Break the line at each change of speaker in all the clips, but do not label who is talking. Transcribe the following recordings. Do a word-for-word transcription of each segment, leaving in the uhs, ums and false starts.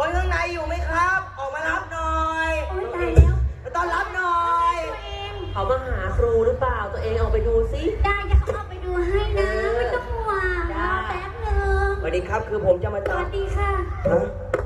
คนข้างในอยู่ไหมครับ ออกมารับหน่อย
โอ๊ยตายแล้ว
มาต้อนรับหน่อย
ตัวเอง
เขามาหาครูหรือเปล่าตัวเองออกไปดูซิ
ได้จะเข้าไปดูให้นะไม่ต้องห่วงรอแป๊บหนึ่ง
สวัสดีครับคือผมจะมา
ส
ตา
วั
ม
สดีค่ะ
ฮะ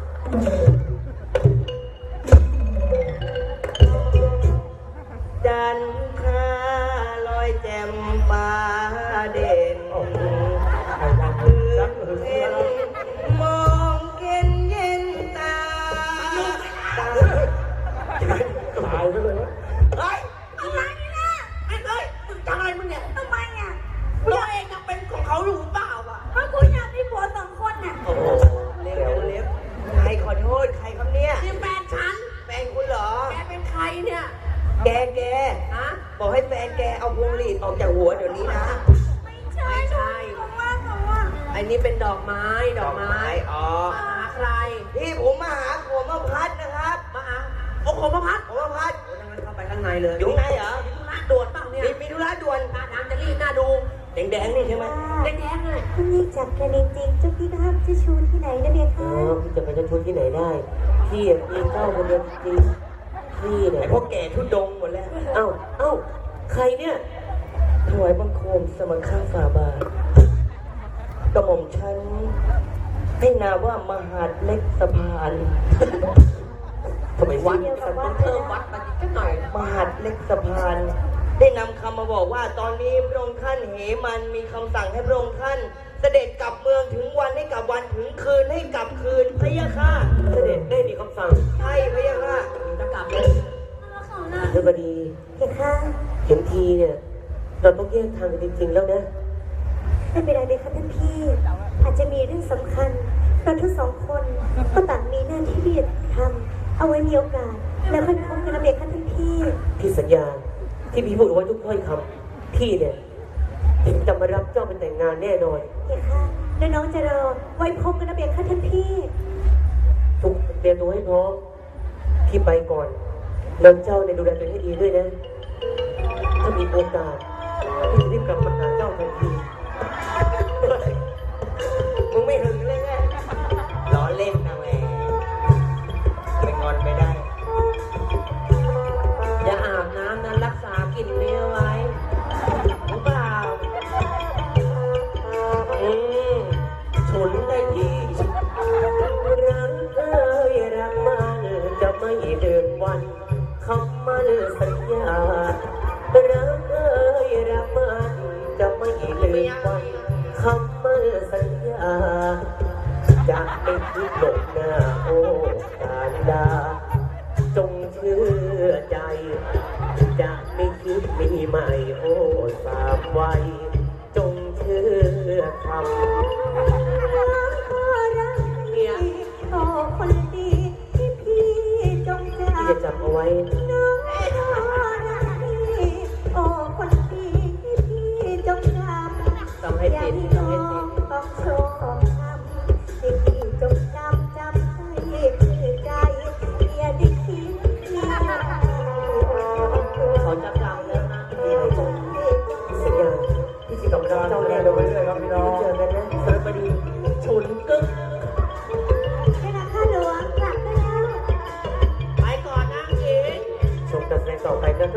จันทราลอยแจ่มฟ้าเด่นคือเห็นมองเย็นเย็นตาตา
ตายไปเลยวะ
เฮ้ย
ทำไมเนี่ย
ไอ้เฮ้ยมึงทำอะไรมึงเนี่ย
ทำไมอ่ะ
ตัวเองยังเป็นของเขาอยู่เปล่าอ่ะ
เพราะกูอยากมีผัวสองคนน่ะ
โอ้โหเล็บเล็บใครขอโทษใครครับเนี่ย
นี่แฟนฉัน
แฟนคุณเหรอ
แกเป็นใครเนี่ย
แกแก
ฮะ
บอกให้แฟนแกเอาพวงหลีดออกจากหัวเดี๋ยวนี้นะ
ไม่ใช่
ไม่ใช่
เขาว่าเขาว่า
ไอ้นี่เป็นดอกไม้ดอกไม้
อ๋อ
มาหาใคร
ที่ผมมาหาผมมาพัดนะครับ
มาหาโอ้โหมาพัด
ผมมาพัด
โอ้ยงั้นเข้าไปข้างในเลย
อยู่ไหนเหรอ
มีธุระด่วนเปล่าเนี่ย
มีมีธุระด่วน
หน้าดำจะรีบหน้าดู
แดงๆนี่ใช่ไหม
แดงๆเลย
คุณนี่จับกันจริงๆเจ้าพี่ห้ามจะชูที่ไหนนะเบีย
อ๋
คะ
อพี่จะไปจะชุดที่ไหนได้พี่อ่ะมีเจ้าคนเดียวจริงพี่เนี่ย
ไอ้พวกแก่ทุดงหมดแล้ว
เอ้าเอ้าใครเนี่ยถวายบังคมสมังข้าฝ่าบาทกระหม่อมฉันให้นามว่ามหาดเล็กสะพานทำไม
วั
วั
ด
ด
ฉันต้องเพิ่มวัดมาอีกสักหน่อย
มหาดเล็กสะพาน ได้นำคำมาบอกว่าตอนนี้พระองค์ท่านเหมันมีคำสั่งให้พระองค์ท่าน เสด็จกลับเมืองถึงวันให้กลับวันถึงคืนให้กลับคืนพะยะค่ะ
เสด็จได้มีคำสั่ง
ใช่พะยะค่ะ
จะกลับเลย
เขาน่ะ
เทพดี
เบียคะ
เห็นทีเนี่ยเราต้องแยกทางกันจริงๆแล้วนะ
ไม่เป็นไรเบียคะท่านพี่ อาจจะมีเรื่องสำคัญเราทั้งสองคนก็ต่างมีหน้าที่ที่จะทำเอาไว้มีโอกาส แล้วค่อยพบกันนะเบียคะท่านพี่
พี่สัญญาที่พี่พูดเอาไว้ทุกถ้อยคำพี่เนี่ยจะมารับเจ้าเป็นแต่งงานแน่นอน
เบียคะแล้วน้องจะรอไว้พบกันนะเบียคะท่านพี่
ทุกเตรียมตัวให้พร้อมพี่ไปก่อนแล้วเจ้าเนี่ยดูแลตัวเองให้ดีด้วยนะ ถ้ามีโอกาสพี่จะรีบกลับมาหาเจ้าทันที
มึงไม่หึงเลยไงล้อเล่นนะแม่ไปงอนไปได้
อย่าอาบน้ำนั้นรักษากลิ่นนี้เอาไว้รู้เปล่า
อืมฉุนได้ทีรักเอ้ยรักมันจะไม่เดินวันคำมันสัญญารักเอ้ยรักมันจะไม่เดินวันคำมันสัญญาจะไม่คิดหลบหน้าโอ้การดาจงเชื่อใจ จะไม่คิดมีใหม่โอ้สามวัยจงเชื่อคำ
เนี่ยโอ้คนดีที่พี่จงใจ
ที่จะจำเอาไว้
น้องรักพี่โอ้คนดีที่พี่จงจำ
ต้องให้
อย่า
ติด
ให้น้